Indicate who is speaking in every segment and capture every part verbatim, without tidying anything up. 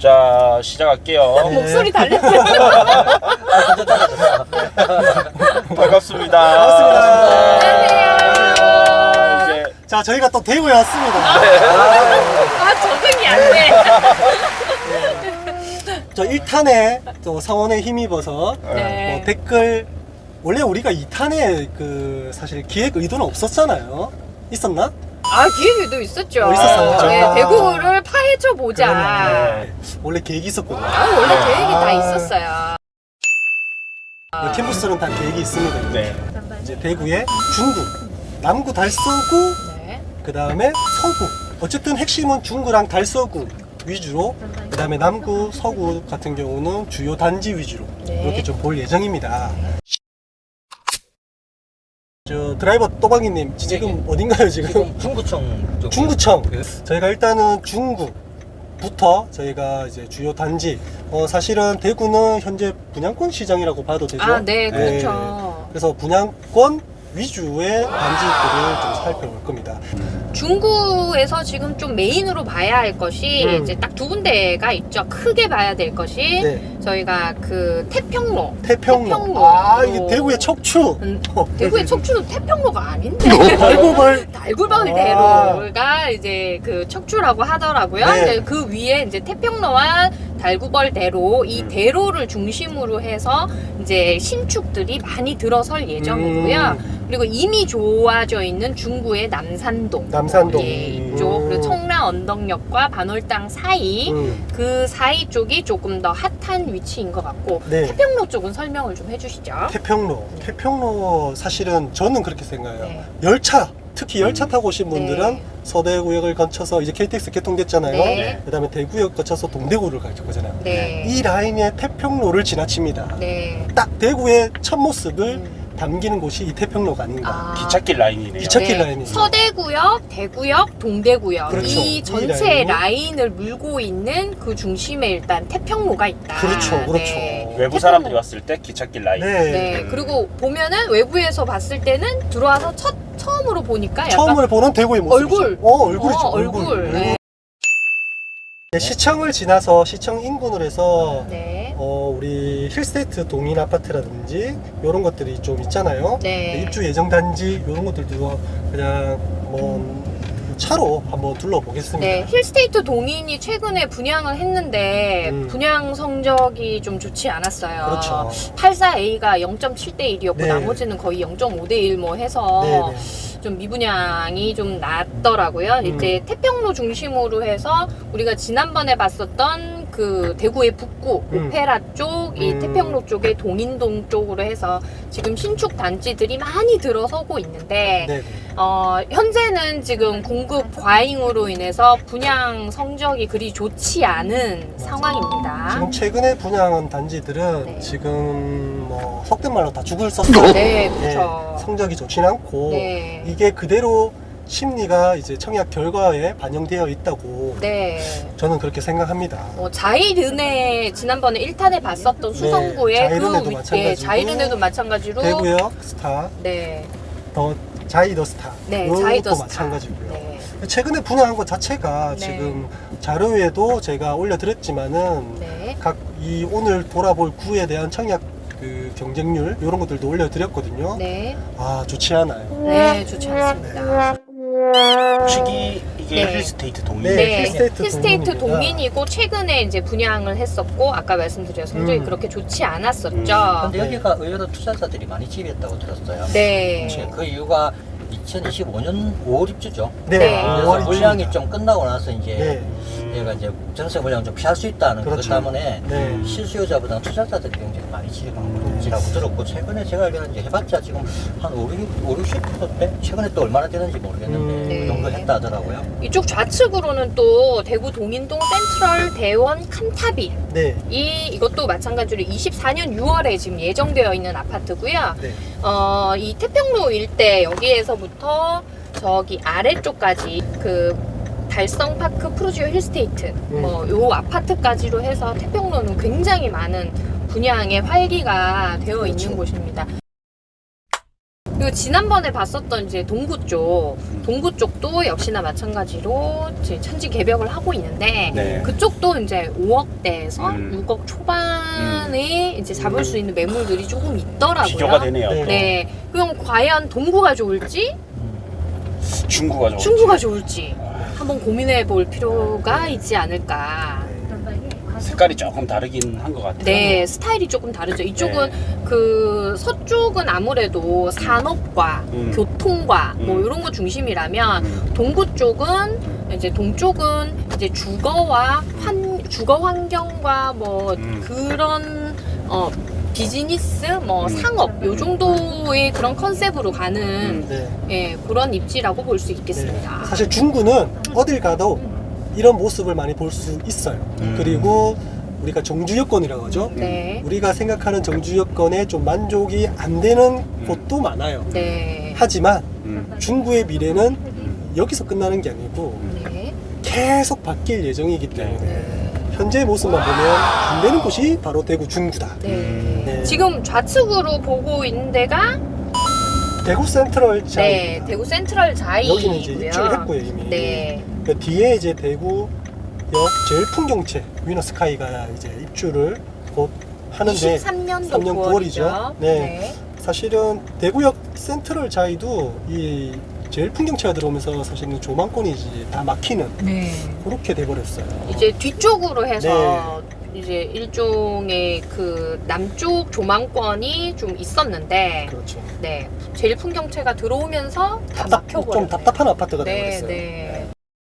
Speaker 1: 자, 시작할게요.
Speaker 2: 네. 목소리 달렸어요.
Speaker 1: 반갑습니다.
Speaker 3: 반갑습니다.
Speaker 1: 안녕하세요. 이제
Speaker 3: 자, 저희가 또 대구에 왔습니다.
Speaker 2: 아, 적응이 안 돼.
Speaker 3: 저 일 탄에 또 상원에 힘입어서
Speaker 2: 네.
Speaker 3: 뭐 댓글, 원래 우리가 이 탄에 그 사실 기획 의도는 없었잖아요. 있었나?
Speaker 2: 아, 기획도 있었죠.
Speaker 3: 어, 있었어요?
Speaker 2: 네,
Speaker 3: 아.
Speaker 2: 대구를 파헤쳐 보자.
Speaker 3: 그러네. 원래 계획이 있었거든요.
Speaker 2: 아, 원래
Speaker 1: 네.
Speaker 2: 계획이 다
Speaker 3: 아.
Speaker 2: 있었어요.
Speaker 3: 캠퍼스는 다 계획이 있습니다.
Speaker 1: 네.
Speaker 3: 이제 대구에 중구, 남구 달서구,
Speaker 2: 네.
Speaker 3: 그 다음에 서구. 어쨌든 핵심은 중구랑 달서구 위주로, 그 다음에 남구, 서구 같은 경우는 주요 단지 위주로
Speaker 2: 네.
Speaker 3: 이렇게 좀 볼 예정입니다. 저 드라이버 또박이님 지금 어딘가요 지금?
Speaker 4: 지금 중구청 쪽.
Speaker 3: 중구청.
Speaker 4: 그-
Speaker 3: 저희가 일단은 중구부터 저희가 이제 주요 단지. 어 사실은 대구는 현재 분양권 시장이라고 봐도 되죠.
Speaker 2: 아, 네, 그렇죠.
Speaker 3: 그래서 분양권 위주의 단지들을 좀 살펴볼 겁니다.
Speaker 2: 중구에서 지금 좀 메인으로 봐야 할 것이
Speaker 3: 음.
Speaker 2: 이제 딱 두 군데가 있죠. 크게 봐야 될 것이
Speaker 3: 네.
Speaker 2: 저희가 그 태평로.
Speaker 3: 태평로.
Speaker 2: 태평로.
Speaker 3: 아 이게 대구의 척추.
Speaker 2: 음,
Speaker 3: 어,
Speaker 2: 대구의 척추는 태평로가 아닌데.
Speaker 3: 달고벌.
Speaker 2: 달구벌
Speaker 3: 아.
Speaker 2: 대로가 이제 그 척추라고 하더라고요.
Speaker 3: 네.
Speaker 2: 근데 그 위에 이제 태평로와 달구벌 대로 이
Speaker 1: 음.
Speaker 2: 대로를 중심으로 해서 이제 신축들이 많이 들어설 예정이고요.
Speaker 3: 음.
Speaker 2: 그리고 이미 좋아져 있는 중구의 남산동,
Speaker 3: 남산동.
Speaker 2: 예, 이쪽
Speaker 3: 음.
Speaker 2: 그리고 청라 언덕역과 반월당 사이
Speaker 3: 음.
Speaker 2: 그 사이 쪽이 조금 더 핫한 위치인 것 같고
Speaker 3: 네.
Speaker 2: 태평로 쪽은 설명을 좀 해주시죠.
Speaker 3: 태평로. 태평로 사실은 저는 그렇게 생각해요.
Speaker 2: 네.
Speaker 3: 열차. 특히 열차 타고 오신 분들은
Speaker 2: 네.
Speaker 3: 서대구역을 거쳐서 이제 케이티엑스 개통됐잖아요.
Speaker 2: 네.
Speaker 3: 그 다음에 대구역 거쳐서 동대구를 갈 거잖아요.
Speaker 2: 네.
Speaker 3: 이 라인의 태평로를 지나칩니다.
Speaker 2: 네.
Speaker 3: 딱 대구의 첫 모습을
Speaker 2: 음.
Speaker 3: 담기는 곳이 이 태평로가 아닌가.
Speaker 2: 아.
Speaker 1: 기찻길 라인이네요.
Speaker 3: 기차- 첫길 라인이죠.
Speaker 2: 서대구역, 대구역, 동대구역
Speaker 3: 그렇죠.
Speaker 2: 이
Speaker 3: 이
Speaker 2: 전체
Speaker 3: 라인이.
Speaker 2: 라인을 물고 있는 그 중심에 일단 태평로가 있다.
Speaker 3: 그렇죠, 그렇죠.
Speaker 2: 네.
Speaker 1: 외부
Speaker 2: 태평로.
Speaker 1: 사람들이 왔을 때 기찻길 라인.
Speaker 3: 네.
Speaker 2: 네. 그리고 보면은 외부에서 봤을 때는 들어와서 첫 처음으로 보니까 약간
Speaker 3: 처음을 보는 대구의 모습이죠.
Speaker 2: 얼굴.
Speaker 3: 어, 얼굴이죠.
Speaker 2: 어, 얼굴. 네.
Speaker 3: 네, 시청을 지나서 시청 인근으로 해서
Speaker 2: 네.
Speaker 3: 어, 우리 힐스테이트 동인 아파트라든지 이런 것들이 좀 있잖아요.
Speaker 2: 네.
Speaker 3: 입주 예정 단지 이런 것들도 그냥 뭐 차로 한번 둘러보겠습니다.
Speaker 2: 네, 힐스테이트 동인이 최근에 분양을 했는데
Speaker 3: 음.
Speaker 2: 분양 성적이 좀 좋지 않았어요.
Speaker 3: 그렇죠.
Speaker 2: 팔십사 에이가 영 점 칠 대 일이었고
Speaker 3: 네.
Speaker 2: 나머지는 거의 영 점 오 대 일 뭐 해서
Speaker 3: 네, 네.
Speaker 2: 좀 미분양이 좀 낮더라고요.
Speaker 3: 음.
Speaker 2: 이제 태평로 중심으로 해서 우리가 지난번에 봤었던 그 대구의 북구
Speaker 3: 음.
Speaker 2: 오페라 쪽, 이
Speaker 3: 음.
Speaker 2: 태평로 쪽에 동인동 쪽으로 해서 지금 신축 단지들이 많이 들어서고 있는데
Speaker 3: 네, 네.
Speaker 2: 어, 현재는 지금 공급 과잉으로 인해서 분양 성적이 그리 좋지 않은 상황입니다.
Speaker 3: 지금 최근에 분양한 단지들은
Speaker 2: 네.
Speaker 3: 지금 뭐 속된 말로 다 죽을 썼어요.
Speaker 2: 네, 그렇죠.
Speaker 3: 성적이 좋진 않고
Speaker 2: 네.
Speaker 3: 이게 그대로 심리가 이제 청약 결과에 반영되어 있다고
Speaker 2: 네.
Speaker 3: 저는 그렇게 생각합니다.
Speaker 2: 뭐 자이르네 지난번에 일 탄에 봤었던 수성구의
Speaker 3: 네, 자이르네도
Speaker 2: 그 위-
Speaker 3: 마찬가지고,
Speaker 2: 예, 자이르네도 마찬가지로
Speaker 3: 대구역 스타,
Speaker 2: 네.
Speaker 3: 더 자이더 스타,
Speaker 2: 네,
Speaker 3: 이것도
Speaker 2: 자이더 스타.
Speaker 3: 마찬가지고요.
Speaker 2: 네.
Speaker 3: 최근에 분양한 것 자체가
Speaker 2: 네.
Speaker 3: 지금 자료에도 제가 올려드렸지만은
Speaker 2: 네.
Speaker 3: 각 이 오늘 돌아볼 구에 대한 청약 그 경쟁률 이런 것들도 올려드렸거든요.
Speaker 2: 네.
Speaker 3: 아 좋지 않아요.
Speaker 2: 네, 좋지 않습니다.
Speaker 1: 혹시 이게
Speaker 2: 네.
Speaker 1: 힐스테이트 동인?
Speaker 3: 네,
Speaker 2: 네,
Speaker 3: 힐스테이트
Speaker 2: 힐스테이트
Speaker 3: 동인입니다.
Speaker 2: 동인이고 최근에 이제 분양을 했었고 아까 말씀드린 성적이
Speaker 3: 음.
Speaker 2: 그렇게 좋지 않았었죠.
Speaker 4: 근데 여기가 의외로 투자자들이 많이 집했다고 들었어요.
Speaker 2: 네.
Speaker 4: 그 이유가 이천이십오 년 오월 입주죠.
Speaker 3: 네,
Speaker 2: 네.
Speaker 3: 오월
Speaker 4: 그래서
Speaker 3: 입주입니다.
Speaker 4: 물량이 좀 끝나고 나서 이제
Speaker 3: 네,
Speaker 4: 얘가 이제 전세 물량을 좀 피할 수 있다는
Speaker 3: 그렇죠.
Speaker 4: 것 때문에
Speaker 3: 네.
Speaker 4: 실수요자보다는 투자자들이 굉장히 많이 집한지라고 들었고 최근에 제가 알기로는 이제 해봤자 지금 한 오, 육십 퍼센트 최근에 또 얼마나 되는지 모르겠는데
Speaker 3: 음.
Speaker 4: 그 정도 했다 하더라고요.
Speaker 2: 이쪽 좌측으로는 또 대구 동인동 센트럴 대원 칸타빌
Speaker 3: 네,
Speaker 2: 이 이것도 마찬가지로 이십사 년 유월에 지금 예정되어 있는 아파트고요.
Speaker 3: 네.
Speaker 2: 어, 이 태평로 일대 여기에서부터 저기 아래쪽까지 그 달성파크 프루지오 힐스테이트
Speaker 3: 음.
Speaker 2: 뭐 요 아파트까지로 해서 태평로는 굉장히 많은 분양의 활기가 되어
Speaker 3: 그렇죠.
Speaker 2: 있는 곳입니다. 그리고 지난번에 봤었던 이제 동구 쪽, 동구 쪽도 역시나 마찬가지로 이제 천지 개벽을 하고 있는데
Speaker 1: 네.
Speaker 2: 그쪽도 이제 오억대에서
Speaker 1: 음.
Speaker 2: 육억 초반에 이제 잡을 수 있는 매물들이 조금 있더라고요.
Speaker 1: 비교가 되네요.
Speaker 3: 네.
Speaker 2: 네. 그럼 과연 동구가 좋을지
Speaker 1: 중구가 좋을지.
Speaker 2: 중구가 좋을지 한번 고민해 볼 필요가 있지 않을까.
Speaker 1: 색깔이 조금 다르긴 한 것 같아요.
Speaker 2: 네, 스타일이 조금 다르죠. 이쪽은
Speaker 1: 네.
Speaker 2: 그 서쪽은 아무래도 산업과
Speaker 1: 음.
Speaker 2: 교통과 뭐
Speaker 1: 음.
Speaker 2: 이런 거 중심이라면
Speaker 1: 음.
Speaker 2: 동구 쪽은 이제 동쪽은 이제 주거와 환 주거 환경과 뭐
Speaker 1: 음.
Speaker 2: 그런 어 비즈니스 뭐
Speaker 1: 음.
Speaker 2: 상업 요 정도의 그런 컨셉으로 가는
Speaker 1: 음.
Speaker 3: 네.
Speaker 2: 예, 그런 입지라고 볼 수 있겠습니다.
Speaker 3: 네. 사실 중구는 어딜 가도 이런 모습을 많이 볼 수 있어요.
Speaker 1: 음.
Speaker 3: 그리고 우리가 정주 여건이라고 하죠.
Speaker 2: 네.
Speaker 3: 우리가 생각하는 정주 여건에 좀 만족이 안 되는 곳도 많아요.
Speaker 2: 네.
Speaker 3: 하지만
Speaker 1: 음.
Speaker 3: 중구의 미래는 여기서 끝나는 게 아니고
Speaker 2: 네.
Speaker 3: 계속 바뀔 예정이기 때문에
Speaker 2: 네.
Speaker 3: 현재 모습만 보면 안 되는 곳이 바로 대구 중구다.
Speaker 2: 네.
Speaker 3: 네.
Speaker 2: 지금 좌측으로 보고 있는 데가
Speaker 3: 대구 센트럴 자
Speaker 2: 네, 대구 센트럴 자이고요.
Speaker 3: 여기는 이제 입주를 했고요 이미.
Speaker 2: 네.
Speaker 3: 그 뒤에 이제 대구역 제일 풍경채 위너스카이가 이제 입주를 곧 하는데
Speaker 2: 이십삼 년도
Speaker 3: 삼 년
Speaker 2: 구월이죠.
Speaker 3: 구월이죠. 네. 사실은 대구역 센트럴 자이도 이 제일 풍경채가 들어오면서 사실은 조망권이 이제 다 막히는
Speaker 2: 네.
Speaker 3: 그렇게 돼버렸어요.
Speaker 2: 이제 뒤쪽으로 해서
Speaker 3: 네.
Speaker 2: 이제 일종의 그 남쪽 조망권이 좀 있었는데
Speaker 3: 그렇죠.
Speaker 2: 네. 제일 풍경채가 들어오면서 다
Speaker 3: 답답,
Speaker 2: 막혀버렸네.
Speaker 3: 좀 답답한 아파트가
Speaker 2: 네,
Speaker 3: 돼버렸어요.
Speaker 2: 네.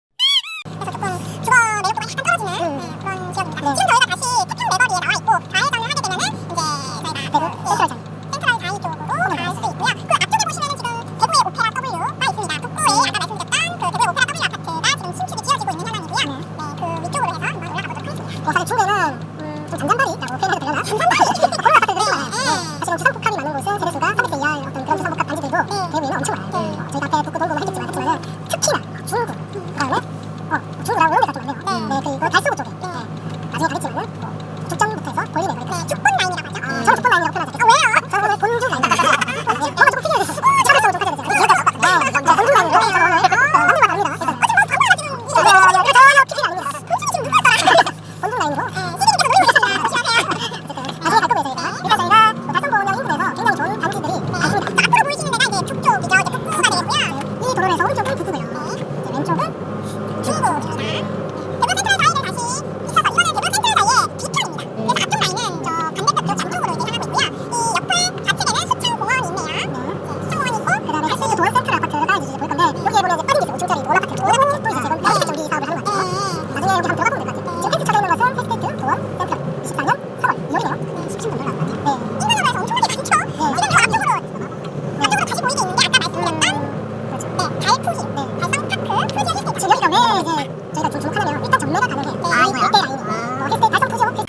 Speaker 5: 사실 중계는 음, 좀 잔잔발이 있다고 표현해도 되려나? 잔잔발이? 그런 아파트들이 많아요. 네. 사실은 주상복합이 많은 곳은 세대수가 삼백대 이하의 어떤 그런 주상복합 단지들도 대구에는 엄청 많아요. 어, 저희가 앞에 북구 동구만 했겠지만 했지만은 특히나 중구, 그다음에 어, 중구라고 이런 데가 좀 많네요. 네, 그리고 달서구 쪽에 네. 나중에 가겠지만은 뭐 죽전부터 해서 보이네 그러니까 축본 라인이라고 하죠. 어, 저는 축본 라인이라고 표현하죠. 아, 왜요? 저는 오늘 본주 라인. 어, 뭔가 좀 틀려야 됐어. 차별성을 좀 가져야 되죠. 네, 네, 본주 라인으로 저는 오늘 어, 남들과 다릅니다. 그래서 어차피 뭐 방금 지금 이거 전혀 피킹이 아닙니다. 본주는 지금 누가 했더라? 본주 라인으로. 나중에 갈 거고요 저희가. 일단 저희가 뭐 달성공역 인근에서 굉장히 좋은 단지들이 많습니다. 앞으로 보이시는 데가 이제 북쪽이죠. 이제 북구가 되겠고요. 이 도로에서 오른쪽은 북구고요. 이제 왼쪽은 중구입니다. 대구 센트럴 다이를 다시 있어서 이거는 대구 센트럴 다이의 뒤편입니다. 그래서 앞쪽 라인은 저 반대편 저 정쪽으로 이제 향하고 있고요. 이 옆에 좌측에는 수창공원이 있네요. 네, 수창공원이 있고 그다음에 헬스인드 도원 센트럴 아파트가 이제 보일 건데 여기에 보면 이제 빠진 게 있어요. 오 층짜리 원 아파트. 원 아파트 또 이제 지금 여섯 개 쪽 이 사업을 하는 것 같아요. 나중에 여기 한번 들어가 보면 될 것 같아요. 지금 헬스 쳐져 있는 것은 헬스테이트 도원 센트럴 이십사 년 삼월 이월이네요. 십칠 년 정도 나온 것 같아요. 네. 인근으로 해서 엄청나게 많죠. 네. 지금 저 앞쪽으로 앞쪽으로 다시 보이게 있는 게 아까 말씀드렸던 그렇죠. 네, 달푸지, 네, 달성파크, 푸지 헬스테이트. 지금 여기가 왜 이제 저희가 좀 주목하냐면 일단 전매가 가능해요. 네. 아, 이거요? 이때 라인이. 뭐 헬스테이트, 달성 푸지 오피스.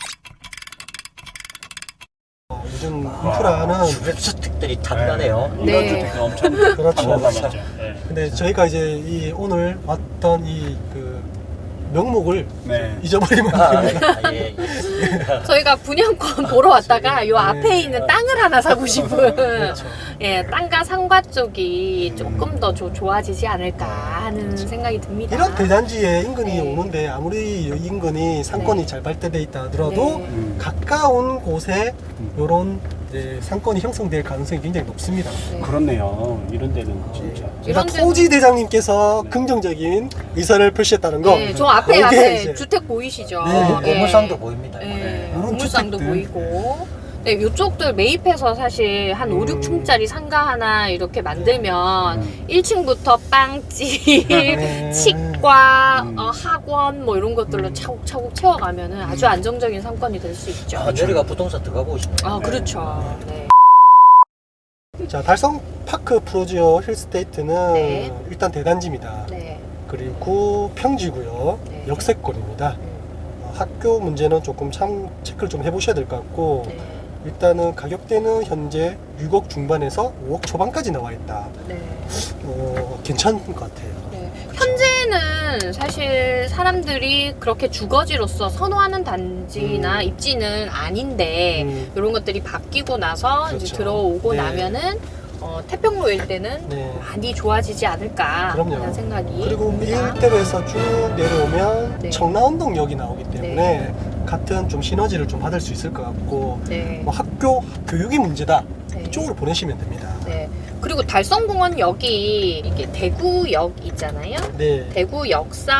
Speaker 3: 어, 요즘 인프라는
Speaker 4: 주택들이 단단해요.
Speaker 2: 네.
Speaker 1: 인간주택이 엄청
Speaker 3: 그렇죠.
Speaker 1: 많죠. 네.
Speaker 3: 근데 저희가 이제 이 오늘 왔던 이 그 명목을
Speaker 1: 네.
Speaker 3: 잊어버리면
Speaker 4: 아,
Speaker 3: 안 됩니다.
Speaker 4: 예, 예.
Speaker 2: 저희가 분양권 보러 왔다가 요 앞에 있는 땅을 하나 사고 싶은
Speaker 3: 그렇죠.
Speaker 2: 예, 땅과 상가 쪽이 조금 더 조, 좋아지지 않을까 하는 생각이 듭니다.
Speaker 3: 이런 대단지에 인근이
Speaker 2: 네.
Speaker 3: 오는데 아무리 이 인근이 상권이
Speaker 2: 네.
Speaker 3: 잘 발달돼 있다 하더라도
Speaker 2: 네.
Speaker 1: 음.
Speaker 3: 가까운 곳에
Speaker 1: 음.
Speaker 3: 이런 이제 상권이 형성될 가능성이 굉장히 높습니다.
Speaker 2: 네.
Speaker 1: 그렇네요. 이런 데는 진짜.
Speaker 3: 일단
Speaker 2: 이런 데는-
Speaker 3: 토지 대장님께서
Speaker 1: 네.
Speaker 3: 긍정적인 의사를 표시했다는 거.
Speaker 2: 네, 저 앞에
Speaker 3: 이게
Speaker 2: 앞에
Speaker 3: 이제
Speaker 2: 주택 보이시죠?
Speaker 3: 네,
Speaker 2: 예.
Speaker 4: 고물상도 보입니다.
Speaker 2: 네,
Speaker 1: 네.
Speaker 3: 이런
Speaker 2: 고물상도
Speaker 3: 주택들.
Speaker 2: 보이고. 네, 요쪽들 매입해서 사실 한 오,
Speaker 3: 음.
Speaker 2: 육 층짜리 상가 하나 이렇게 만들면
Speaker 1: 음.
Speaker 2: 일 층부터 빵집,
Speaker 3: 네.
Speaker 2: 치과,
Speaker 1: 음.
Speaker 2: 어, 학원 뭐 이런 것들로
Speaker 3: 음.
Speaker 2: 차곡차곡 채워가면은 아주 안정적인 상권이 될 수 있죠.
Speaker 4: 아, 저리가 부동산 들어가고 싶네요.
Speaker 2: 아, 그렇죠. 네.
Speaker 3: 자, 달성 파크 프로지오 힐스테이트는
Speaker 2: 네.
Speaker 3: 일단 대단지입니다.
Speaker 2: 네.
Speaker 3: 그리고 평지고요.
Speaker 2: 네.
Speaker 3: 역세권입니다.
Speaker 2: 음,
Speaker 3: 어, 학교 문제는 조금 참 체크를 좀 해보셔야 될 것 같고
Speaker 2: 네.
Speaker 3: 일단은 가격대는 현재 육억 중반에서 오억 초반까지 나와 있다.
Speaker 2: 네.
Speaker 3: 어, 괜찮은 것 같아요.
Speaker 2: 네. 현재는 사실 사람들이 그렇게 주거지로서 선호하는 단지나
Speaker 3: 음.
Speaker 2: 입지는 아닌데
Speaker 3: 음,
Speaker 2: 이런 것들이 바뀌고 나서 이제
Speaker 3: 그렇죠.
Speaker 2: 들어오고
Speaker 3: 네.
Speaker 2: 나면은 어, 어, 태평로 일대는
Speaker 3: 네.
Speaker 2: 많이 좋아지지 않을까
Speaker 3: 그럼요.
Speaker 2: 하는 생각이
Speaker 3: 그리고 이
Speaker 2: 듭니다.
Speaker 3: 일대로에서 쭉 내려오면
Speaker 2: 네.
Speaker 3: 청라운동역이 나오기 때문에
Speaker 2: 네.
Speaker 3: 같은 좀 시너지를 좀 받을 수 있을 것 같고
Speaker 2: 네.
Speaker 3: 뭐 학교 교육이 문제다
Speaker 2: 네.
Speaker 3: 이쪽으로 보내시면 됩니다.
Speaker 2: 네. 그리고 달성공원역이 이게 대구역 있잖아요.
Speaker 3: 네.
Speaker 2: 대구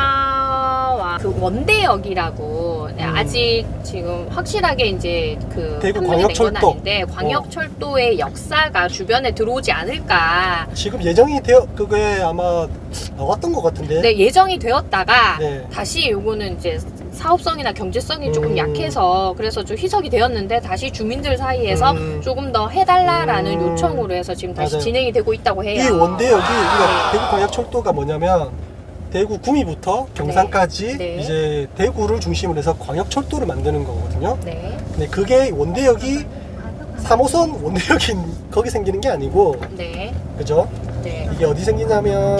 Speaker 2: 역사와 그 원대역이라고 네,
Speaker 3: 음.
Speaker 2: 아직 지금 확실하게 이제 그
Speaker 3: 대구
Speaker 2: 판명이 된 건
Speaker 3: 광역철도.
Speaker 2: 아닌데 광역철도의 역사가 주변에 들어오지 않을까.
Speaker 3: 지금 예정이 되어 그게 아마 나왔던 것 같은데.
Speaker 2: 네, 예정이 되었다가
Speaker 3: 네.
Speaker 2: 다시 요거는 이제 사업성이나 경제성이 조금
Speaker 3: 음.
Speaker 2: 약해서 그래서 좀 희석이 되었는데 다시 주민들 사이에서
Speaker 3: 음.
Speaker 2: 조금 더 해달라라는
Speaker 3: 음.
Speaker 2: 요청으로 해서 지금 다시
Speaker 3: 맞아요.
Speaker 2: 진행이 되고 있다고 해요.
Speaker 3: 이 원대역이 우리가
Speaker 2: 네.
Speaker 3: 대구 광역철도가 뭐냐면 대구 구미부터 경산까지
Speaker 2: 네. 네.
Speaker 3: 이제 대구를 중심으로 해서 광역철도를 만드는 거거든요.
Speaker 2: 네,
Speaker 3: 근데 그게 원대역이 삼 호선 원대역인 거기 생기는 게 아니고
Speaker 2: 네,
Speaker 3: 그죠?
Speaker 2: 네.
Speaker 3: 이게 어디 생기냐면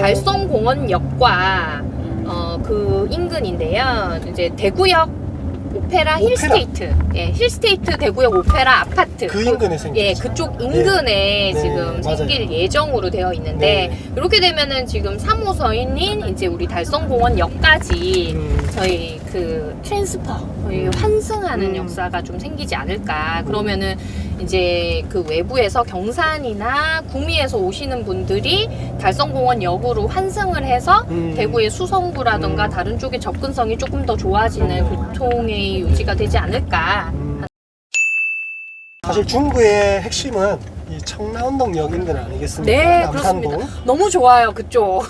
Speaker 2: 달성공원역과 어, 그 인근인데요. 이제 대구역 오페라,
Speaker 3: 오페라.
Speaker 2: 힐스테이트, 예, 힐스테이트 대구역 오페라 아파트.
Speaker 3: 그 인근에 생기죠.
Speaker 2: 예, 그쪽 인근에
Speaker 3: 네.
Speaker 2: 지금
Speaker 3: 네,
Speaker 2: 생길
Speaker 3: 맞아요.
Speaker 2: 예정으로 되어 있는데
Speaker 3: 네.
Speaker 2: 이렇게 되면은 지금 삼 호선인 이제 우리 달성공원역까지
Speaker 3: 음,
Speaker 2: 저희 그 트랜스퍼, 거의
Speaker 3: 음.
Speaker 2: 환승하는
Speaker 3: 음.
Speaker 2: 역사가 좀 생기지 않을까. 그러면은 이제 그 외부에서 경산이나 구미에서 오시는 분들이 달성공원역으로 환승을 해서
Speaker 3: 음.
Speaker 2: 대구의 수성구라던가
Speaker 3: 음.
Speaker 2: 다른 쪽의 접근성이 조금 더 좋아지는 교통의 유지가 되지 않을까.
Speaker 3: 음. 사실 중구의 핵심은 이 청라운동역 인근 아니겠습니까?
Speaker 2: 네,
Speaker 3: 남산동.
Speaker 2: 그렇습니다. 너무 좋아요, 그쪽.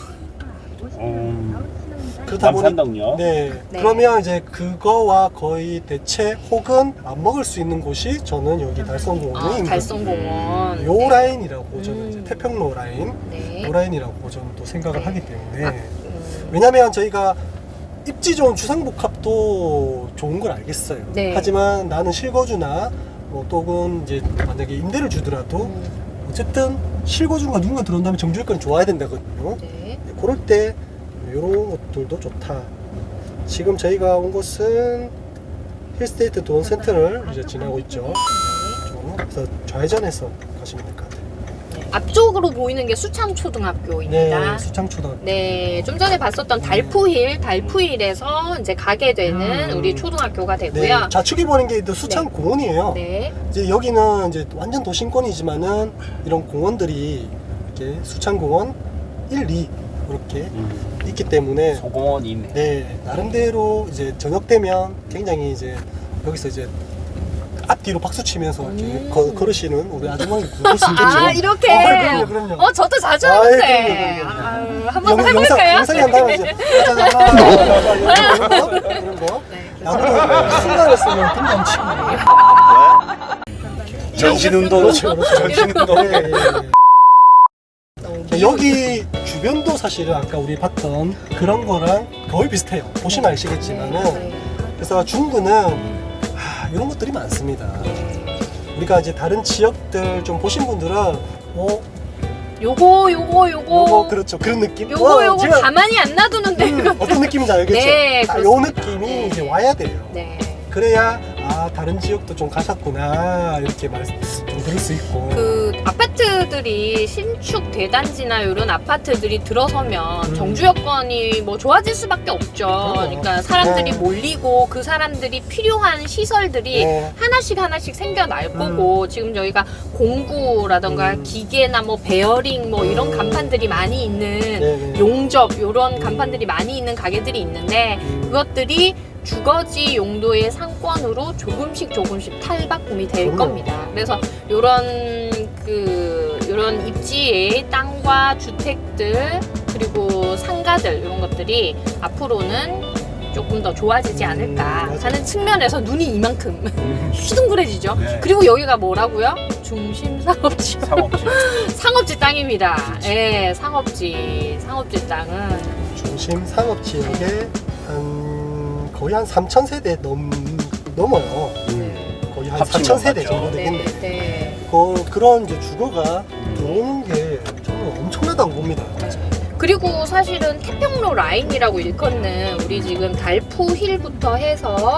Speaker 1: 음,
Speaker 3: 그러다 보니
Speaker 1: 남산동요.
Speaker 3: 네.
Speaker 2: 네.
Speaker 3: 그러면 이제 그거와 거의 대체 혹은 안 먹을 수 있는 곳이 저는 여기 달성공원의
Speaker 2: 아,
Speaker 3: 인근.
Speaker 2: 달성공원.
Speaker 3: 요
Speaker 2: 네.
Speaker 3: 라인이라고 저는
Speaker 2: 음.
Speaker 3: 이제 태평로 라인,
Speaker 2: 네.
Speaker 3: 요 라인이라고 저는 또 생각을
Speaker 2: 네.
Speaker 3: 하기 때문에
Speaker 2: 아, 음.
Speaker 3: 왜냐면 저희가 입지 좋은 주상복합도 좋은 걸 알겠어요.
Speaker 2: 네.
Speaker 3: 하지만 나는 실거주나 뭐 또는 이제 만약에 임대를 주더라도
Speaker 2: 음.
Speaker 3: 어쨌든 실거주가 누군가 들어온다면 정주행권이 좋아야 된다거든요.
Speaker 2: 네.
Speaker 3: 그럴 때 이런 것들도 좋다. 지금 저희가 온 곳은 힐스테이트 도원 센터를 이제 지나고 있죠. 좀 그래서 좌회전해서 가시면 될 것 같아요.
Speaker 2: 네. 앞쪽으로 보이는 게 수창초등학교입니다.
Speaker 3: 네, 수창초등학교.
Speaker 2: 네, 좀 전에 봤었던 달푸힐, 달푸힐에서 이제 가게 되는
Speaker 3: 음.
Speaker 2: 우리 초등학교가
Speaker 3: 네,
Speaker 2: 되고요.
Speaker 3: 좌측에 보는 게 수창공원이에요.
Speaker 2: 네,
Speaker 3: 이제 여기는 이제 완전 도심권이지만은 이런 공원들이 이렇게 수창공원 일, 이 이렇게
Speaker 1: 음,
Speaker 3: 있기 때문에
Speaker 1: 소공원이 있네.
Speaker 3: 네, 나름대로 이제 저녁 되면 굉장히 이제 여기서 이제 앞뒤로 박수 치면서 이렇게
Speaker 2: 음.
Speaker 3: 거, 걸으시는 우리 아주머니 볼 수 있겠죠?
Speaker 2: 아, 이렇게.
Speaker 3: 어, 그럼요, 그럼요.
Speaker 2: 어, 저도 자주
Speaker 3: 아이,
Speaker 2: 하는데.
Speaker 3: 그럼요, 그럼요.
Speaker 2: 아유, 한번
Speaker 3: 영-
Speaker 2: 해볼까요?
Speaker 3: 영상, 영상에 한다면 이제 짜자자, 하나, 이런 거, 이런 거.
Speaker 2: 네,
Speaker 3: 아무도 순간에 쓰면 등장 치고.
Speaker 1: 전신운동.
Speaker 3: 그렇죠, 그렇죠.
Speaker 1: 전신운동.
Speaker 3: 네, 예, 예.
Speaker 2: 너무
Speaker 3: 네, 여기 주변도 사실은 아까 우리 봤던 그런 거랑 거의 비슷해요. 보시면 아시겠지만은.
Speaker 2: 네,
Speaker 3: 그래서 중구는 아, 이런 것들이 많습니다.
Speaker 2: 네.
Speaker 3: 우리가 이제 다른 지역들 좀 보신 분들은 어,
Speaker 2: 요거, 요거, 요거.
Speaker 3: 요거 그렇죠. 그런 느낌.
Speaker 2: 요거,
Speaker 3: 와,
Speaker 2: 요거
Speaker 3: 제가,
Speaker 2: 가만히 안 놔두는데.
Speaker 3: 음, 어떤 느낌인지 알겠죠?
Speaker 2: 네,
Speaker 3: 아, 요
Speaker 2: 그렇습니다.
Speaker 3: 느낌이
Speaker 2: 네.
Speaker 3: 이제 와야 돼요.
Speaker 2: 네.
Speaker 3: 그래야 아 다른 지역도 좀 가셨구나 이렇게 말, 좀 들을 수 있고.
Speaker 2: 그 아파트들이 신축 대단지나 이런 아파트들이 들어서면
Speaker 3: 음.
Speaker 2: 정주 여건이 뭐 좋아질 수밖에 없죠.
Speaker 3: 그럼요.
Speaker 2: 그러니까 사람들이
Speaker 3: 네.
Speaker 2: 몰리고 그 사람들이 필요한 시설들이
Speaker 3: 네.
Speaker 2: 하나씩 하나씩 생겨날 거고 지금 저희가 공구라던가
Speaker 3: 음.
Speaker 2: 기계나 뭐 베어링 뭐 이런
Speaker 3: 음.
Speaker 2: 간판들이 많이 있는
Speaker 3: 네네.
Speaker 2: 용접 이런
Speaker 3: 음.
Speaker 2: 간판들이 많이 있는 가게들이 있는데
Speaker 3: 음.
Speaker 2: 그것들이 주거지 용도의 상권으로 조금씩 조금씩 탈바꿈이 될
Speaker 3: 그럼요.
Speaker 2: 겁니다. 그래서 요런 그 요런 입지의 땅과 주택들 그리고 상가들 이런 것들이 앞으로는 조금 더 좋아지지
Speaker 3: 음,
Speaker 2: 않을까
Speaker 3: 맞아요.
Speaker 2: 하는 측면에서 눈이 이만큼
Speaker 1: 음,
Speaker 2: 휘둥그레지죠.
Speaker 1: 네.
Speaker 2: 그리고 여기가 뭐라고요? 중심 상업지.
Speaker 1: 상업지.
Speaker 2: 상업지 땅입니다. 예, 상업지. 상업지 땅은
Speaker 3: 중심 상업 지역에 한 거의 한 삼천 세대 넘 넘어요.
Speaker 1: 음,
Speaker 3: 거의 한
Speaker 1: 합치면
Speaker 3: 사천 세대
Speaker 1: 맞죠.
Speaker 3: 정도
Speaker 2: 네,
Speaker 3: 되겠네.
Speaker 2: 네.
Speaker 3: 그, 그런 이제 주거가 들어오는 게 저는 엄청나다고 봅니다.
Speaker 2: 그리고 사실은 태평로 라인이라고 일컫는 우리 지금 달푸힐부터 해서 그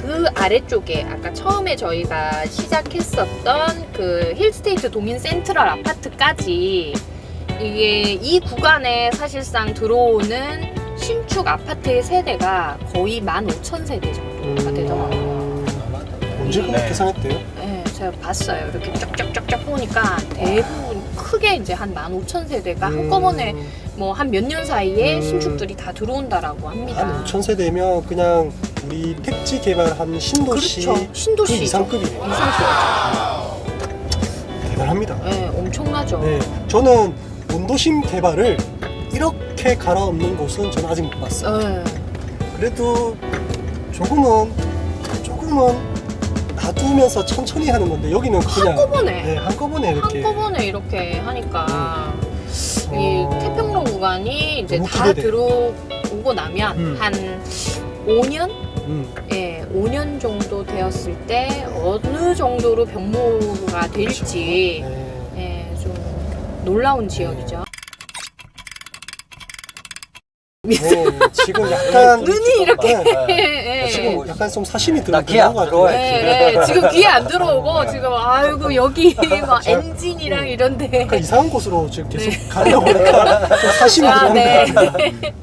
Speaker 2: 그 아래쪽에 아까 처음에 저희가 시작했었던 그 힐스테이트 동인 센트럴 아파트까지 이게 이 구간에 사실상 들어오는 신축 아파트의 세대가 거의 만 오천 세대 정도가
Speaker 3: 음.
Speaker 2: 되더라고요.
Speaker 3: 언제 그렇게
Speaker 4: 네.
Speaker 3: 계산했대요?
Speaker 2: 네, 제가 봤어요. 이렇게 쫙쫙쫙쫙 보니까 대부분 크게 이제 한 만 오천 세대가
Speaker 3: 음.
Speaker 2: 한꺼번에 뭐 한 몇 년 사이에
Speaker 3: 음.
Speaker 2: 신축들이 다 들어온다라고 합니다.
Speaker 3: 한 오천 세대면 그냥 우리 택지 개발한 신도시
Speaker 2: 그렇죠.
Speaker 3: 그
Speaker 2: 신도시죠.
Speaker 3: 이상급이네요.
Speaker 2: 이상급이죠.
Speaker 3: 대단합니다.
Speaker 2: 네, 엄청나죠.
Speaker 3: 네, 저는 원도심 개발을 이렇게 갈아엎는 곳은 저는 아직 못 봤어요.
Speaker 2: 네.
Speaker 3: 그래도 조금은 조금은 놔두면서 천천히 하는 건데 여기는 그냥
Speaker 2: 한꺼번에
Speaker 3: 네, 한꺼번에 이렇게
Speaker 2: 한꺼번에 이렇게 하니까 이
Speaker 3: 어,
Speaker 2: 태평로 구간이 이제
Speaker 3: 너무
Speaker 2: 다
Speaker 3: 기대돼요.
Speaker 2: 들어오고 나면
Speaker 3: 음.
Speaker 2: 한 오 년?
Speaker 3: 음,
Speaker 2: 예, 오 년 정도 되었을 때 어느 정도로 병모가 될지
Speaker 3: 네.
Speaker 2: 예, 좀 놀라운 지역이죠.
Speaker 3: 네, 지금 약간
Speaker 2: 눈이 이렇게
Speaker 3: 네,
Speaker 2: 예, 예.
Speaker 3: 지금 약간 좀 사심이
Speaker 4: 나
Speaker 3: 들어간
Speaker 4: 귀에 안
Speaker 3: 것 같아요.
Speaker 4: 들어와요.
Speaker 2: 예, 예. 지금 귀에 안 들어오고 지금 아이고 여기 막 엔진이랑 이런데
Speaker 3: 약간 이상한 곳으로 지금 계속
Speaker 2: 네.
Speaker 3: 가려고 하니까 좀 사심이
Speaker 2: 아,
Speaker 3: 들어온다.
Speaker 2: 네.